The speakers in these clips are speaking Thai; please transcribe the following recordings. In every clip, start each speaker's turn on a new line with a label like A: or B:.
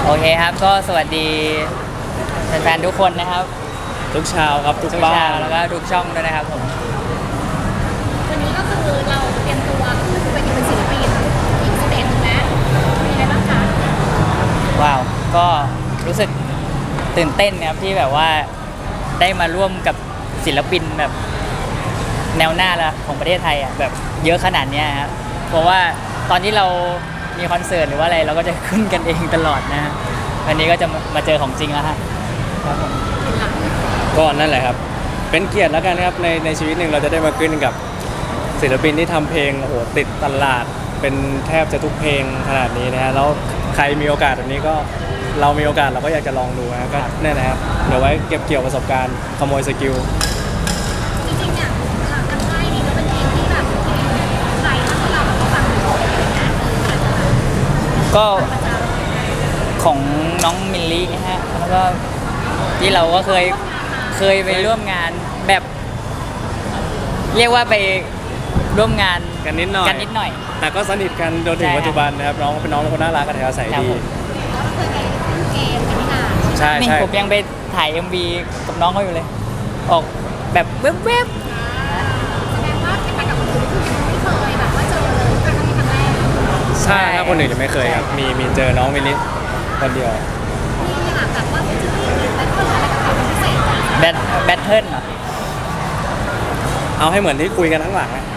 A: โอเคครับก็สวัสดีแฟนๆทุกคนนะครับ
B: ทุกชาวครับทุก
A: ทุก
B: บ้า
A: ชาน แล้วก็ทุกช่องด้วยนะครับผม
C: วันนี้ก็คือเราเตรียมตัวขึ้นเวทีเป็นศิลปินอีกสเตจหนึ่งแล้วมีอะไรบ้างคะ
A: ว้าวก็รู้สึกตื่นเต้นนะครับที่แบบว่าได้มาร่วมกับศิลปินแบบแนวหน้าละของประเทศไทยอ่ะแบบเยอะขนาดเนี้ยครับเพราะว่าตอนที่เรามีคอนเสิร์ตหรือว่าอะไรเราก็จะขึ้นกันเองตลอดนะฮะวันนี้ก็จะมาเจอของจริงแล้วฮะครับผม
B: ก็นั่นแหละครับ เป็นเกียรติแล้วกันครับในชีวิตหนึ่งเราจะได้มาขึ้นกับศิลปินที่ทำเพลงโอ้โหติดตลาดเป็นแทบจะทุกเพลงขนาดนี้นะฮะแล้วใครมีโอกาสแบบนี้ก็เรามีโอกาสเราก็อยากจะลองดูนะก็นั่นแหละครับเดี๋ยวไว้เก็บเกี่ยวประสบการณ์ขโมยสกิล
C: จริงๆเนี่ยทางค่ายนี้ก็เป็นเพลงที่แบบเพลงใครถ้าเราแบบฟังอยู่อะไรอย่างเงี้ยอาจจะแบบ
A: ก็
C: ประจำ
A: ของน้องมิลลี่ฮะแล้วก็ที่เราก็เคยไปร่วมงานแบบ เรียกว่าไปร่วมงาน
B: กันนิดหน่อย แต่ก็สนิทกันจนถึงปัจจุบันนะครับน้องเป็นคนน่ารักกันแถวใส
A: ครับ
B: ดี
A: ผม
C: แล้วก็เคยไปเล่นเกมกันนี่นา
B: ใช่
A: นี่
B: ใช่
A: ผมยังไปถ่าย MV กับน้องเขาอยู่เลย ออกแบบเว็บ
C: แสดงว่าเป็นไปกับคนอื่นคือไม่เคยแบบว่าเจอเลยครั้งนี้ครั้งแรก
B: ใช่ครับคนอื่นยังไม่เคยครับมีเจอน้องมินิคนเดียว
C: นี่ค่ะแบบว่าเป็นชื่อแล้วก็อะไรกับเขาเป็นพิเศษจ้ะ
A: แบทเทิลเหรอ
B: เอาให้เหมือนที่คุยกันทั้งหลังอะ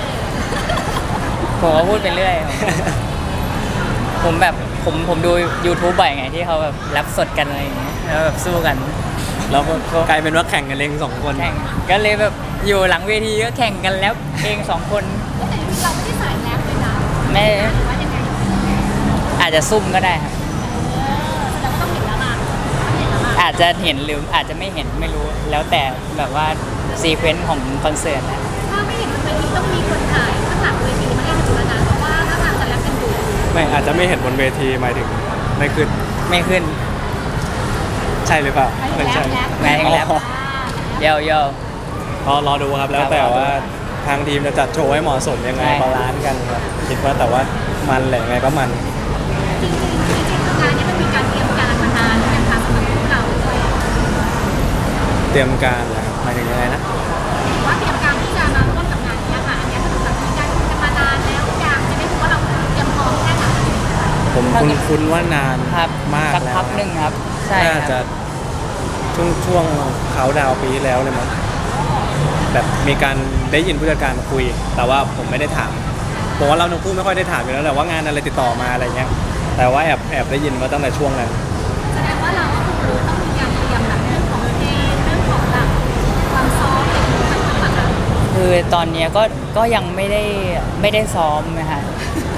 A: ผมก็พูดไปเรื่อย ผมแบบผมดู YouTube บ่อยไงที่เขาแบบแรปสดกันอะไรอย่างเงี้ยแล้วแบบสู้กัน
B: แล้วก็กลายเป็นว่าแข่งกันเองสองคน
A: แข่งก็เลยแบบอยู่หลังเวทีก็แข่งกันแล้วเอง2 คน
C: แต่จริงๆเราไม่ได้สายแรปเลยนะ
A: ไม่
C: หรือว่ายังไง
A: อาจจะซุ่มก็ได้ครับ
C: แสดงว่าต้องเห็นแล้วล่ะต้องเห็นแล้วล่ะ
A: อาจจะเห็นหรืออาจจะไม่เห็นไม่รู้ แล้วแต่แบบว่าซีเควนซ์ของคอนเสิร์ตนะ
C: ถ้าไม่เห็นบนเวทีต้องมีคนถ่ายข้างหลังเวทีมาให้ดูแล้วนะเพราะว่าถ้าทางจะแรปกันอยู่
B: ไม่อาจจะไม่เห็นบนเวทีหมายถึงไม่ขึ้น
A: ไม่ขึ้น
B: ใช่หรือเปล่า
C: ไม่แรปแรป
A: ไม่ให้แรป
B: อ๋อ
A: เยอะ
B: รอดูครับแล้วแต่ว่าทางทีมจะจัดโชว์ให้เหมาะสมยังไง
A: ใช่
B: บาลานซ์กันครับคิดว่าแต่ว่ามันแหละยังไงก็มัน
C: จริงๆงานนี้มันมีการเตรียมการมานานเป็นทางสำหรับพวกเราด้วย
B: เตรียมการนะครับหมายถึงยังไงนะ
C: ว่าเตรียมการที่จะมาร่วมกับงานนี้ค่ะอันนี้คือแบบมีการคุยกันมานานแล้วอยากจะได้รู้ว่าเราเตรียมพร้อมแค่ไหน
B: ผมคุ้นว่านาน
A: ครับ
B: มาก
A: สัก
B: แล้ว
A: พักหนึ่งครับ ใช่
B: น่า
A: ค
B: จะ
A: รับ
B: ช่วงเขาดาวน์ปีที่แล้วเลยมั้งแบบมีการได้ยินผู้จัดการคุย แต่ว่าผมไม่ได้ถามผมว่าเราทั้งคู่ไม่ค่อยได้ถามอยู่แล้วแหละว่างานอะไรติดต่อมาอะไรเงี้ยแต่ว่าแอบได้ยินมาตั้งแต่ช่วงนั้น
C: แสดงว่าเราก็คือต้องมีการเตรียมแบบเรื่องของเพลงเรื่องของแบบความซ้อมอะไรอย่างเงี้ยต่างๆอะ
A: คือตอนเนี้ยก็ยังไม่ได้ซ้อมนะฮะ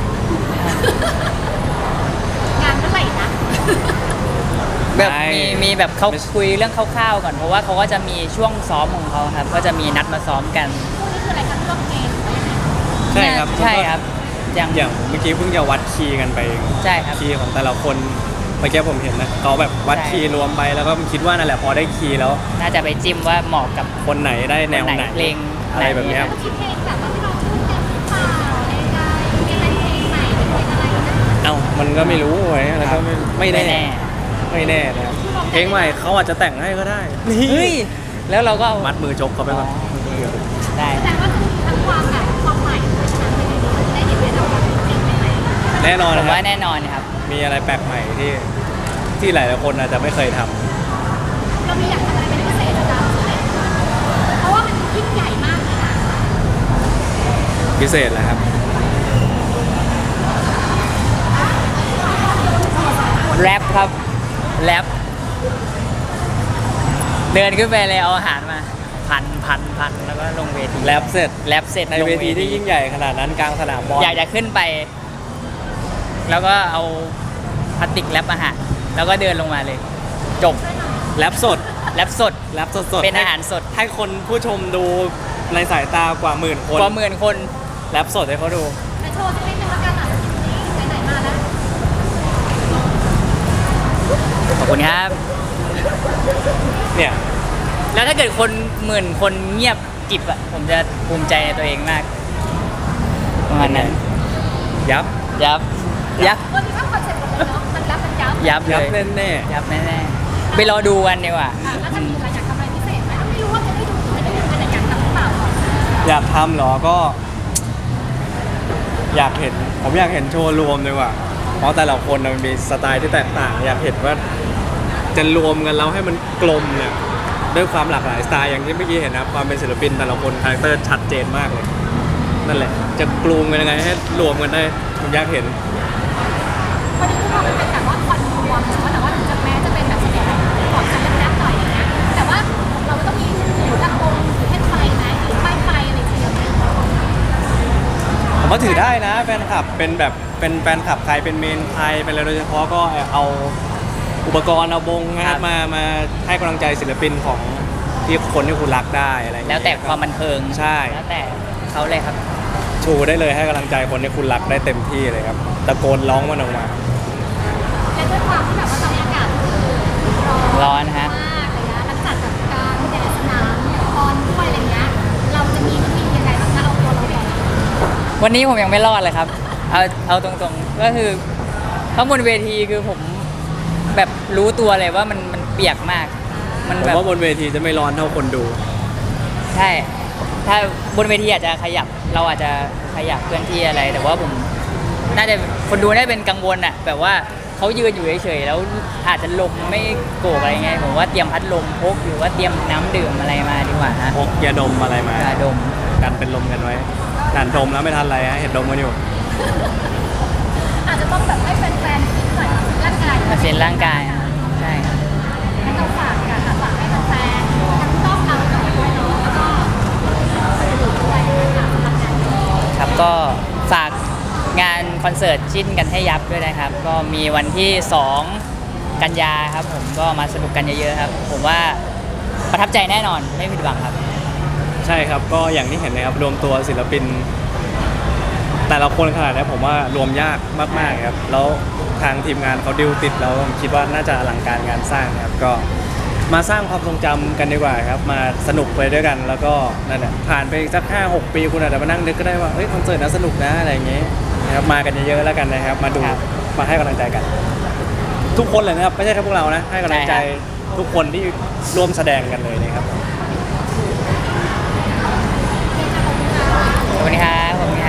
C: งานเมื่อไหร่นะ
A: แบบ
B: ใช่
A: มีแบบเขา
B: ไม่ใช่
A: คุยเรื่องคร่าวๆก่อนเพราะว่าเขาก็จะมีช่วงซ้อมของเขาครับ ก็จะมีนัดมาซ้อมกัน
C: พวกนี้คืออะไรคะร่วมเกมหรือว่ายังไง
B: ใช่ครับ
A: ใช่ครับยัง
B: อย่างเมื่อกี้เพิ่งจะวัดคีย์กันไปเอง
A: ใช่ครับ
B: คีย์ของแต่ละคนเมื่อกี้ผมเห็นนะเขาแบบวัด
A: ใช่
B: คีย์รวมไปแล้วก็คิดว่านั่นแหละพอได้คีย์แล้ว
A: น่าจะไปจิ้มว่าเหมาะกับ
B: คนไหนได้แนวไหน
A: เพลง
B: อะไรแบบเนี้ย
A: ไหน
C: คิดเพลงแบบว่าที่เราชื่อเต็มหรือเปล่าอะไรใดมีอะไรเพลงใหม่เป็นเพลงอะไรนะ
B: เอ้ามันก็ไม่รู้ไว้แล้วก็ไม่
A: ไม่
B: แน่
A: แน่
B: ไม่แน่นะครับเพลงใหม่เขาอาจจะแต่งให้ก็ได้นี่
A: เฮ้ยแล้วเราก็เอา
B: มัดมือจกเขาไปก่อน
A: ได้
C: แสดงว่าคือทั้งความแบบความใหม่เพราะฉะนั้นเพลงนี้มันจะได้เห็นได้เราแบบเพลงใหม่ๆ
B: แน่นอน
A: ผ
B: นะ
A: ม
B: ครั
A: ว่า
B: บ
A: แน่นอนครับ
B: มีอะไรแปลกใหม่ที่หลายๆคนอาจจะไม่เคยทำ
C: เรามีอยากทำอะไรเป็นพิเศษนะเพราะว่ามันยิ่งใหญ่มากเลยนะ
B: พิเศษแหละครับ
A: แรปครับแรปเดินขึ้นไปเลยเอาอาหารมาพันแล้วก็ลงเวที
B: แรปเสร็จ
A: แรปเสร็จ
B: ใน
A: ลง
B: เวทีที่ยิ่งใหญ่ขนาดนั้นกลางสนามบอล
A: อยากจะขึ้นไป แล้วก็เอาพลาสติกแรปอาหารแล้วก็เดินลงมาเลย จบ
B: แรปสด
A: แรปสด
B: แรปสดๆ
A: เป็นอาหารสด
B: ให้คนผู้ชมดูในสายตากว่าหมื่นคน
A: กว่า10,000 คน
B: แรปสดให้เขาดู
C: แต่โชว์สักนิดนึงแล้วกันอ่ะนี่ไหนๆมาแล้ว
A: ขอบคุณครับ
B: เนี่ย
A: แล้วถ้าเกิดคน10,000 คนเงียบกิบอ่ะผมจะภูมิใจในตัวเองมากประมาณนั้น
B: ยับ
A: ยับ
C: วันนี้เข้าคอนเซ็ปต์หมดเลยเนาะมันรับมันยับ
A: ยับเล
B: ยับ
A: ย
B: แน่
A: ยับแน่ๆไปรอดูกันดีกว่า
C: แล้วจะมีอะไรอยากทำอะไรพิเศษไหมไม่รู้ว่าจะได้ดูหรือไม่ได้ดูแต่อยากทำหรือเปล่าก่อน
B: ๆอยากทำเหรอก็ อยากเห็นผมอยากเห็นโชว์รวมดีกว่าเพราะแต่ละคนมันมีสไตล์ที่แตกต่าง อยากเห็นว่าจะรวมกันแล้วให้มันกลมเนี่ยด้วยความหลากหลายสไตล์อย่างที่เมื่อกี้เห็นนะครับความเป็นศิลปินแต่ละคนคาแรคเตอร์ชัดเจนมากเลยนั่นแหละจะกลูมกันยังไงให้รวมกันได้ผมอยากเห็น
C: พอดีทุกคนมันเป็นแบบว่าควันรวมแต่ว่าถึงจะแม้จะเป็นแบบแสดงของการแรปหน่อยอย่างเงี้ยแต่ว่าเราก็ต้องมีถือลำโพงถือแท่นไฟไหมถือป้ายไฟอะไรเทียมไหม
B: ผมว่าถือได้นะแฟนคลับเป็นแบบเป็นแฟนคลับใครเป็นเมนใครเป็นอะไรโดยเฉพาะก็เอาอุปกรณ์เอาบงงา
A: ครั
B: น
A: บ
B: มาให้กำลังใจศิลปินของที่คนที่คุณรักได้อะไรอย่าง
A: แล้
B: เงี้
A: วย แต่ความบันเทิง
B: ใช่
A: แล้วแต่เขาเลยครับ
B: ชูได้เลยให้กำลังใจคนที่คุณรักได้เต็มที่เลยครับตะโกนร้องมันออกมา
C: และด้วยความที่แบบว่าตอนนี้อากาศคือ
A: ร้อนฮะ
C: มากอะไรเงี้ยมันจัดกับการแดดสนามตอนด้วยอะไรเงี้ยเราจะมีวิธียังไงบ้างคะเอาตัวเราก่อน
A: วันนี้ผมยังไม่รอดเลยครับ เอาตรงๆ ก็คือข้างบนเวทีคือผมแบบรู้ตัวเลยว่ามันเปียกมาก มัน
B: ผม
A: แบบ
B: ว่าบนเวทีจะไม่ร้อนเท่าคนดู
A: ใช่ ถ้าบนเวทีอาจจะขยับ เราอาจจะขยับเคลื่อนที่อะไร แต่ว่าผมน่าจะคนดูน่าจะเป็นกังวลอะแบบว่าเขายืนอยู่เฉยๆแล้วอาจจะลมไม่โกกอะไรไง ผมว่าเตรียมพัดลมพกหรือว่าเตรียมน้ำดื่มอะไรมาดีกว่าฮะ
B: พกยาดมอะไรมาย
A: าดม
B: กันเป็นลมกันไว้อ่านดมแล้วไม่ทันอะไรฮะเห็นดมกันอยู่
C: อาจจะต้องแบบให้แฟนๆฟิตหน่อยร่างกาย
A: มาเซ็นร่างกายอะใช่ครับ
C: ให้เราฝากกันค่ะฝากให้แฟนๆทั้งต้องเราทั้งด้วยเนาะแล้วก็สื่อด้วยนะคะสำหรับงานนี้
A: ครับก็ฝากงานคอนเสิร์ตจิ้นกันให้ยับด้วยนะครับ ก็มีวันที่ 2 กันยาครับผมก็มาสนุกกันเยอะๆครับ ผมว่าประทับใจแน่นอนไม่ผิดหวังครับ
B: ใช่ครับก็อย่างที่เห็นนะครับรวมตัวศิลปิน แต่ละคนขนาดนี้ผมว่ารวมยากมากๆครับแล้วทางทีมงานเขาดิวติดแล้วผมคิดว่าน่าจะอลังการงานสร้างนะครับก็มาสร้างความทรงจำกันดีกว่าครับมาสนุกไปด้วยกันแล้วก็นั่นแหละผ่านไปสัก 5-6 ปีคุณอาจจะมานั่งนึกก็ได้ว่าเฮ้ยคอนเสิร์ตน่าสนุกนะอะไรอย่างเงี้ยนะครับมากันเยอะๆแล้วกันนะครับมาดู
A: ครับ
B: มาให้กำลังใจกัน ทุกคนเลยนะครับไม่ใช่แค่พวกเรานะให้กำลังใจ
A: ใช่ครับ
B: ทุกคนที่ร่วมแสดงกันเลยนะครับ
A: ขอบคุณครับขอบคุณครับ